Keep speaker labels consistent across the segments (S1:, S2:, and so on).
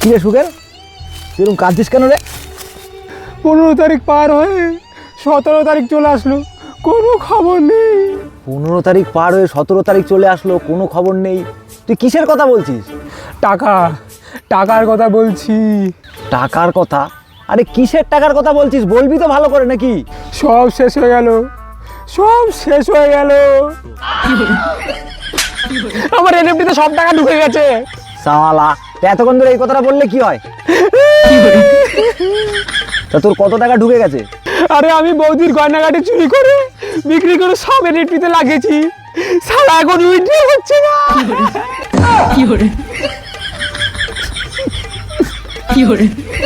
S1: কি রে সুখের, তুই এরকম কাঁদছিস কেন রে?
S2: 15 তারিখ পার হয়ে 17 তারিখ চলে আসলো, কোনো খবর নেই।
S1: 15 তারিখ পার হয়ে 17 তারিখ চলে আসলো, কোনো খবর নেই। তুই কিসের কথা বলছিস?
S2: টাকার কথা বলছি।
S1: টাকার কথা? আরে কিসের টাকার কথা বলছিস, বলবি তো ভালো করে নাকি?
S2: সব শেষ হয়ে গেল, সব শেষ হয়ে গেল। আমার এনএফটিতে সব টাকা ঢুকে গেছে।
S1: সালা, এতক্ষণ ধরে এই কথাটা বললে কি হয়? তা তোর কত টাকা ঢুকে গেছে?
S2: আরে আমি বৌদির গয়নাগাটি চুরি করে বিক্রি করে সব এনএফটিতে লাগিয়েছি। সারা এখন উইথড্র হচ্ছে না।
S3: কি হরে
S2: কি হলো?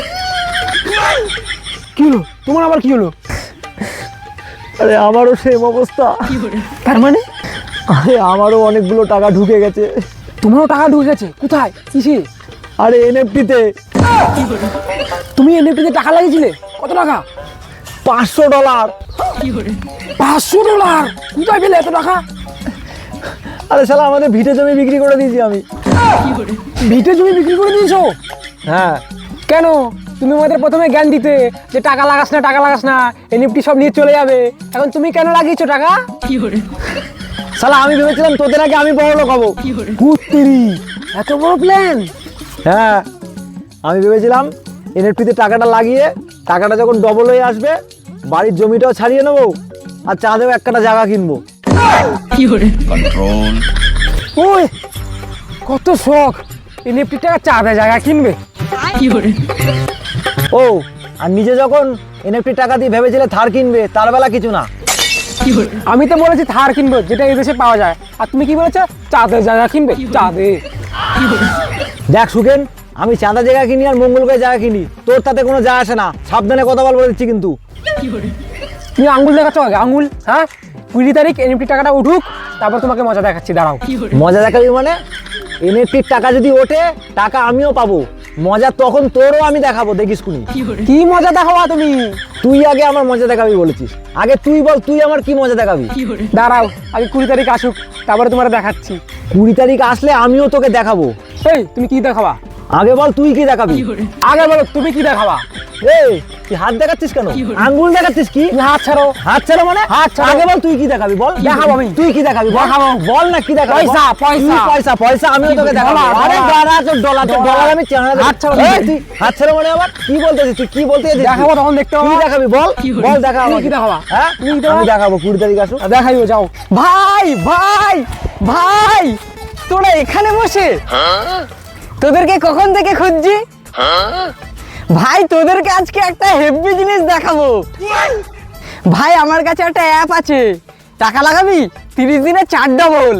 S2: তোমার আবার কি হলো?
S1: আরে আমারও সেম অবস্থা।
S2: তার মানে
S1: আরে আমারও অনেকগুলো টাকা ঢুকে গেছে।
S2: তোমারও টাকা ঢুকে গেছে? কোথায়, কিসে?
S1: আরে এনএফটিতে।
S2: তুমি এনএফটিতে টাকা লাগিয়েছিলে? কত টাকা?
S1: $500।
S2: $500? কোথায় পেলে এত টাকা?
S1: আরে শালা আমাদের ভিটে জমি বিক্রি করে দিয়েছি আমি।
S2: ভিটে জমি বিক্রি করে দিয়েছো?
S1: হ্যাঁ।
S2: কেন? তুমি আমাদের প্রথমে জ্ঞান দিতে যে টাকা লাগাস না, এনএফটি সব নিয়ে চলে যাবে। এখন তুমি কেন লাগিয়েছো টাকা?
S1: শালা আমি ভেবেছিলাম তোদের আগে আমি বড় লোক হবো।
S2: কুত্তিরি, এত বড় প্ল্যান?
S1: হ্যাঁ, আমি ভেবেছিলাম এনএফটিতে টাকাটা লাগিয়ে টাকাটা যখন ডবল হয়ে আসবে বাড়ির জমিটাও ছাড়িয়ে নেবো আর চাঁদেও এক কাটা জায়গা কিনবো।
S4: কন্ট্রোল।
S2: ওই কত শখ, এনএফটি টাকা চাঁদে জায়গা কিনবে।
S1: ও, আর নিজে যখন এনএফটি টাকা দিয়ে ভেবেছিলে থার কিনবে, তার বেলা কিছু না।
S2: আমি তো বলেছি থার কিনবো, যেটা এদেশে পাওয়া যায়। আর তুমি কি বলেছো? চাঁদের জায়গা কিনবে। চাঁদে?
S1: দেখ সুখেন, আমি চাঁদা জায়গা কিনি আর মঙ্গলকোয়ে জায়গা কিনি, তোর তাতে কোনো যায় আসে না। সাবধানে কথা বলে দিচ্ছি কিন্তু।
S2: তুমি আঙ্গুল দেখাচ্ছ আগে, আঙ্গুল। হ্যাঁ, 20 তারিখ এনএফটি টাকাটা উঠুক, তারপর তোমাকে মজা দেখাচ্ছি, দাঁড়াও।
S1: মজা দেখাবি মানে? এনএফটির টাকা যদি ওঠে টাকা আমিও পাবো, মজা তখন তোরও আমি দেখাবো, দেখিস কুনি।
S2: কি মজা দেখাবা তুমি?
S1: তুই আগে আমার মজা দেখাবি বলেছিস, আগে তুই বল তুই আমার কি মজা দেখাবি।
S2: দাঁড়াও, আগে 20 তারিখ আসুক, তারপরে তোমার দেখাচ্ছি।
S1: 20 তারিখ আসলে আমিও তোকে দেখাবো।
S2: এই তুমি কি দেখাবা?
S1: আগে বল তুই কি দেখাবি।
S2: আগে বলো তুমি কি দেখাবা?
S1: এই তুই হাত দেখাচ্ছিস কেন, আঙ্গুল দেখাচ্ছিস কি?
S2: তুমি হাত ছাড়ো।
S1: হাত ছাড়া মানে?
S2: হাত ছাড়ো।
S1: আগে বল তুই কি দেখাবি, বল।
S2: দেখাবো আমি।
S1: তুই কি দেখাবি বল।
S2: দেখাবো।
S1: বল না কি দেখাবি।
S2: পয়সা, পয়সা।
S1: তুই পয়সা, পয়সা আমিও তোকে দেখাবো।
S2: ডলার,
S1: আরে
S2: ডলার।
S1: দাঁড়া, তোর ডলার, তোর ডলার আমি চেহারা দেখাবো।
S2: হাত ছাড়ো।
S1: এই তুই হাত ছাড়া মানে আবার কি বলতেছিস, তুই কি বলতে চাইছিস?
S2: দেখাবো, তখন দেখতে
S1: কি
S2: পাবো।
S1: দেখাবি বল, বল দেখা
S2: তুমি
S1: আমাকে।
S2: কি দেখাবা?
S1: হ্যাঁ
S2: তুমি কি দেখাবা?
S1: আমি দেখাবো 20 তারিখ আসুক।
S2: দেখাইও, যাও। ভাই ভাই ভাই, তোরা এখানে বসে? তোদেরকে কখন থেকে খুঁজছি ভাই। তোদেরকে আজকে একটা হেভি জিনিস দেখাবো ভাই। আমার কাছে একটা অ্যাপ আছে, টাকা লাগাবি 30 দিনে 4 ডবল।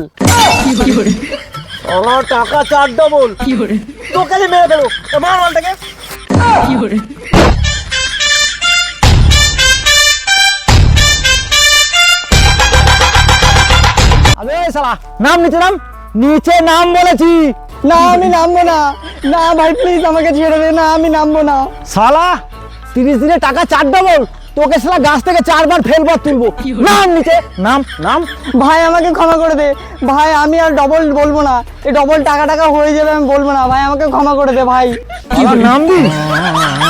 S1: আমার টাকা 4 ডবল। তোকে যে মেরে ফেলো, মার মালটাকে। আবে শালা, নাম নিচে নাম, নিচে নাম বলেছি।
S2: না আমি নামবো না। না ভাই প্লিজ আমাকে ছেড়ে দে। না আমি নামবো না।
S1: শালা 30 দিনে টাকা 4 ডবল, তোকে শালা গাছ থেকে 4 বার ফেলবার তুলবো। নাম নিচে নাম, নাম।
S2: ভাই আমাকে ক্ষমা করে দে ভাই, আমি আর ডবল বলবো না। এই ডবল টাকা হয়ে যাবে, আমি বলবো না ভাই, আমাকে ক্ষমা করে দে ভাই।
S1: নাম দিস।